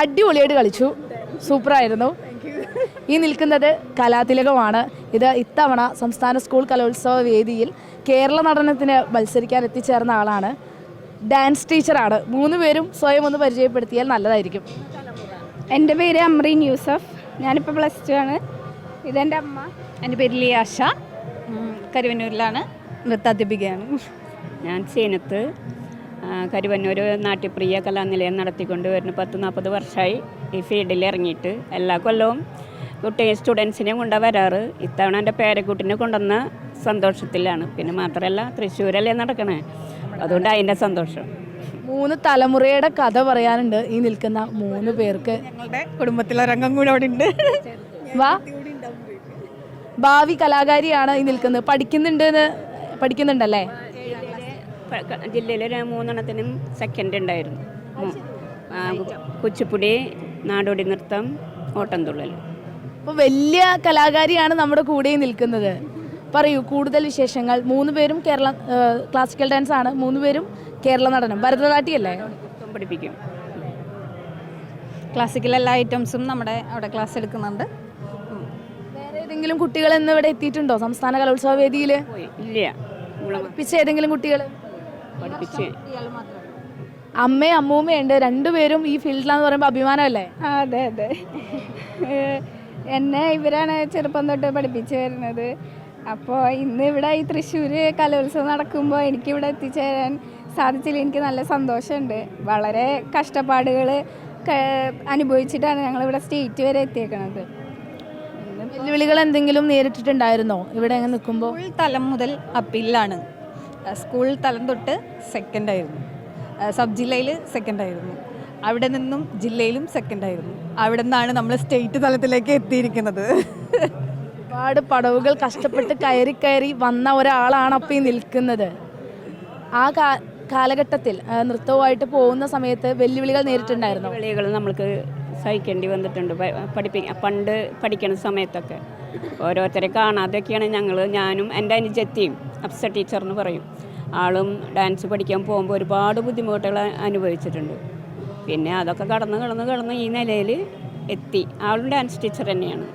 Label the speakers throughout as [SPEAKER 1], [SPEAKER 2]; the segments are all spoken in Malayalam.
[SPEAKER 1] അടിപൊളിയായിട്ട് കളിച്ചു, സൂപ്പറായിരുന്നു. ഈ നിൽക്കുന്നത് കലാതിലകമാണ്. ഇത് ഇത്തവണ സംസ്ഥാന സ്കൂൾ കലോത്സവ വേദിയിൽ കേരള നടനത്തിന് മത്സരിക്കാൻ എത്തിച്ചേർന്ന ആളാണ്. ഡാൻസ് ടീച്ചറാണ്. 3 പേരും സ്വയം ഒന്ന് പരിചയപ്പെടുത്തിയാൽ നല്ലതായിരിക്കും.
[SPEAKER 2] എൻ്റെ പേര് അമ്രീൻ യൂസഫ്, ഞാനിപ്പോൾ +2 ആണ്. ഇതെൻ്റെ അമ്മ.
[SPEAKER 3] എൻ്റെ പേര് ലിയാഷ, കരുവന്നൂരിലാണ്, നൃത്താധ്യാപികയാണ്.
[SPEAKER 4] ഞാൻ സീനത്ത്, കരുവന്നൂർ നാട്യപ്രിയ കലാനിലയം നടത്തിക്കൊണ്ട് വരുന്ന 10-40 വർഷമായി ഈ ഫീൽഡിൽ ഇറങ്ങിയിട്ട്. എല്ലാ കൊല്ലവും സ്റ്റുഡൻസിനെ കൊണ്ടാണ് വരാറ്. ഇത്തവണ എൻ്റെ പേരക്കുട്ടിനെ കൊണ്ടുവന്ന സന്തോഷത്തിലാണ്. പിന്നെ മാത്രമല്ല തൃശ്ശൂരല്ലേ നടക്കണേ, അതുകൊണ്ട് അതിൻ്റെ സന്തോഷം.
[SPEAKER 1] 3 തലമുറയുടെ കഥ പറയാനുണ്ട് ഈ നിൽക്കുന്ന 3 പേർക്ക്.
[SPEAKER 3] ഞങ്ങളുടെ കുടുംബത്തിലൊരംഗം കൂടെ അവിടെ ഉണ്ട്.
[SPEAKER 1] വാ, ഭാവി കലാകാരിയാണ് ഈ നിൽക്കുന്നത്. പഠിക്കുന്നുണ്ടല്ലേ?
[SPEAKER 4] ജില്ലയിൽ 3 സെക്കൻഡ് ഉണ്ടായിരുന്നു. കുച്ചിപ്പുടി, നാടോടി നൃത്തം, ഓട്ടംതുള്ളൽ.
[SPEAKER 1] അപ്പോൾ വലിയ കലാകാരിയാണ് നമ്മുടെ കൂടെ നിൽക്കുന്നത്. പറയൂ കൂടുതൽ വിശേഷങ്ങൾ. 3 പേരും ക്ലാസിക്കൽ ഡാൻസ് ആണ്, 3 പേരും കേരള നടനം. ഭരതനാട്യമല്ലേ?
[SPEAKER 4] പഠിപ്പിക്കും.
[SPEAKER 3] ക്ലാസിക്കൽ എല്ലാ ഐറ്റംസും നമ്മുടെ അവിടെ ക്ലാസ് എടുക്കുന്നുണ്ട്.
[SPEAKER 1] വേറെ ഏതെങ്കിലും കുട്ടികൾ ഇന്ന് ഇവിടെ എത്തിയിട്ടുണ്ടോ സംസ്ഥാന കലോത്സവ വേദിയിൽ?
[SPEAKER 4] ഇല്ല.
[SPEAKER 1] പഠിപ്പിച്ച ഏതെങ്കിലും കുട്ടികൾ?
[SPEAKER 4] പഠിപ്പിച്ച്
[SPEAKER 1] അമ്മയും അമ്മൂമ്മയുണ്ട്, 2 പേരും ഈ ഫീൽഡിലാന്ന് പറയുമ്പോൾ അഭിമാനമല്ലേ?
[SPEAKER 2] അതെ അതെ, എന്നെ ഇവരാണ് ചെറുപ്പം തൊട്ട് പഠിപ്പിച്ച് വരുന്നത്. അപ്പോൾ ഇന്ന് ഇവിടെ ഈ തൃശ്ശൂർ കലോത്സവം നടക്കുമ്പോൾ എനിക്കിവിടെ എത്തിച്ചേരാൻ സാധിച്ചില്ല. എനിക്ക് നല്ല സന്തോഷമുണ്ട്. വളരെ കഷ്ടപ്പാടുകൾ അനുഭവിച്ചിട്ടാണ് ഞങ്ങളിവിടെ സ്റ്റേറ്റ് വരെ എത്തിയേക്കണത്.
[SPEAKER 1] വെല്ലുവിളികൾ എന്തെങ്കിലും നേരിട്ടിട്ടുണ്ടായിരുന്നോ ഇവിടെ എങ്ങനെ നിൽക്കുമ്പോൾ?
[SPEAKER 3] സ്കൂൾ തലം മുതൽ അപ്പീലാണ്. സ്കൂൾ തലം തൊട്ട് സെക്കൻഡായിരുന്നു, സബ് ജില്ലയിൽ സെക്കൻഡായിരുന്നു, അവിടെ നിന്നും ജില്ലയിലും സെക്കൻഡായിരുന്നു. അവിടെ നിന്നാണ് നമ്മൾ സ്റ്റേറ്റ് തലത്തിലേക്ക് എത്തിയിരിക്കുന്നത്.
[SPEAKER 1] ഒരുപാട് പടവുകൾ കഷ്ടപ്പെട്ട് കയറി വന്ന ഒരാളാണ് അപ്പോൾ ഈ നിൽക്കുന്നത്. ആ കാലഘട്ടത്തിൽ നൃത്തവുമായിട്ട് പോകുന്ന സമയത്ത് വെല്ലുവിളികൾ നേരിട്ടുണ്ടായിരുന്നു?
[SPEAKER 4] വെല്ലുവിളികൾ നമ്മൾക്ക് സഹിക്കേണ്ടി വന്നിട്ടുണ്ട്. പണ്ട് പഠിക്കുന്ന സമയത്തൊക്കെ ഓരോരുത്തരെ കാണാതെയൊക്കെയാണ് ഞാനും എൻ്റെ അനുജത്തിയും അപ്സ ടീച്ചർ എന്ന് പറയും, ആളും ഡാൻസ് പഠിക്കാൻ പോകുമ്പോൾ ഒരുപാട് ബുദ്ധിമുട്ടുകൾ അനുഭവിച്ചിട്ടുണ്ട്. പിന്നെ അതൊക്കെ കടന്ന് ഈ നിലയിൽ എത്തി. ആളും ഡാൻസ് ടീച്ചർ തന്നെയാണ്.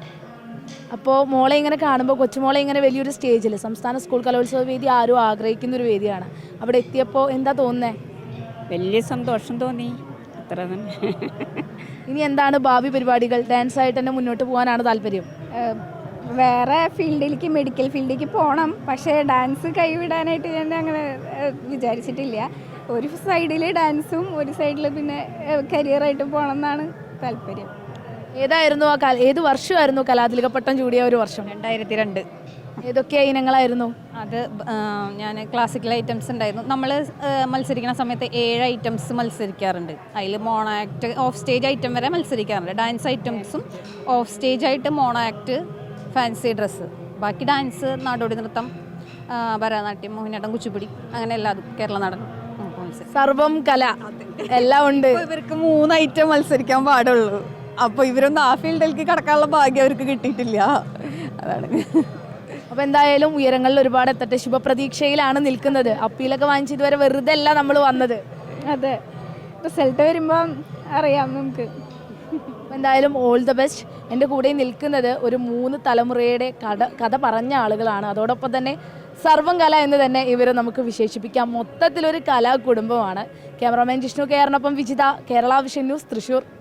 [SPEAKER 1] അപ്പോൾ മോളെ ഇങ്ങനെ കാണുമ്പോൾ, കൊച്ചുമോളെ ഇങ്ങനെ വലിയൊരു സ്റ്റേജിൽ സംസ്ഥാന സ്കൂൾ കലോത്സവ വേദി ആരും ആഗ്രഹിക്കുന്നൊരു വേദിയാണ്. അവിടെ എത്തിയപ്പോൾ എന്താ തോന്നുന്നത്?
[SPEAKER 4] വലിയ സന്തോഷം തോന്നി, അത്ര തന്നെ.
[SPEAKER 1] ഇനി എന്താണ് ഭാവി പരിപാടികൾ? ഡാൻസായിട്ട് തന്നെ മുന്നോട്ട് പോകാനാണ് താല്പര്യം?
[SPEAKER 2] വേറെ ഫീൽഡിലേക്ക്, മെഡിക്കൽ ഫീൽഡിലേക്ക് പോകണം. പക്ഷേ ഡാൻസ് കൈവിടാനായിട്ട് ഞാൻ അങ്ങനെ വിചാരിച്ചിട്ടില്ല. ഒരു സൈഡിൽ ഡാൻസും ഒരു സൈഡിൽ പിന്നെ കരിയറായിട്ട് പോകണം എന്നാണ് താല്പര്യം.
[SPEAKER 1] ഏതായിരുന്നു ഏത് വർഷമായിരുന്നു കലാതിലക പട്ടം ചൂടിയ ഒരു വർഷം?
[SPEAKER 3] 2002.
[SPEAKER 1] ഏതൊക്കെ ഇനങ്ങളായിരുന്നു
[SPEAKER 3] അത്? ഞാൻ ക്ലാസിക്കൽ ഐറ്റംസ് ഉണ്ടായിരുന്നു. നമ്മൾ മത്സരിക്കുന്ന സമയത്ത് 7 ഐറ്റംസ് മത്സരിക്കാറുണ്ട്. അതിൽ mono act, off stage item വരെ മത്സരിക്കാറുണ്ട്. ഡാൻസ് ഐറ്റംസും ഓഫ് സ്റ്റേജ് ആയിട്ട് മോണോ ആക്ട്, ഫാൻസി ഡ്രസ്സ്, ബാക്കി ഡാൻസ്, നാടോടി നൃത്തം, ഭരതനാട്യം, മോഹിനിയാട്ടം, കുച്ചിപ്പുടി, അങ്ങനെ എല്ലാതും കേരള നടനം.
[SPEAKER 1] സർവം കല എല്ലാം ഉണ്ട്.
[SPEAKER 3] ഇവർക്ക് 3 ഐറ്റം മത്സരിക്കാൻ പാടുള്ളൂ. അപ്പോൾ ഇവരൊന്നും ആ ഫീൽഡിലേക്ക് കടക്കാനുള്ള ഭാഗ്യം അവർക്ക് കിട്ടിയിട്ടില്ല. അതാണ്.
[SPEAKER 1] അപ്പോൾ എന്തായാലും ഉയരങ്ങളിൽ ഒരുപാട് എത്തട്ടെ. ശുഭപ്രതീക്ഷയിലാണ് നിൽക്കുന്നത്. അപ്പീലൊക്കെ വാങ്ങിച്ച് ഇതുവരെ വെറുതെ അല്ല നമ്മൾ വന്നത്.
[SPEAKER 2] അതെ, റിസൾട്ട് വരുമ്പം അറിയാം നമുക്ക്.
[SPEAKER 1] എന്തായാലും ഓൾ ദ ബെസ്റ്റ്. എൻ്റെ കൂടെ നിൽക്കുന്നത് ഒരു 3 തലമുറയുടെ കഥ പറഞ്ഞ ആളുകളാണ്. അതോടൊപ്പം തന്നെ സർവം കല എന്ന് തന്നെ ഇവരെ നമുക്ക് വിശേഷിപ്പിക്കാം. മൊത്തത്തിലൊരു കലാ കുടുംബമാണ്. ക്യാമറാമാൻ ജിഷ്ണു കെയറിനൊപ്പം വിജിത, കേരള വിഷൻ ന്യൂസ്, തൃശ്ശൂർ.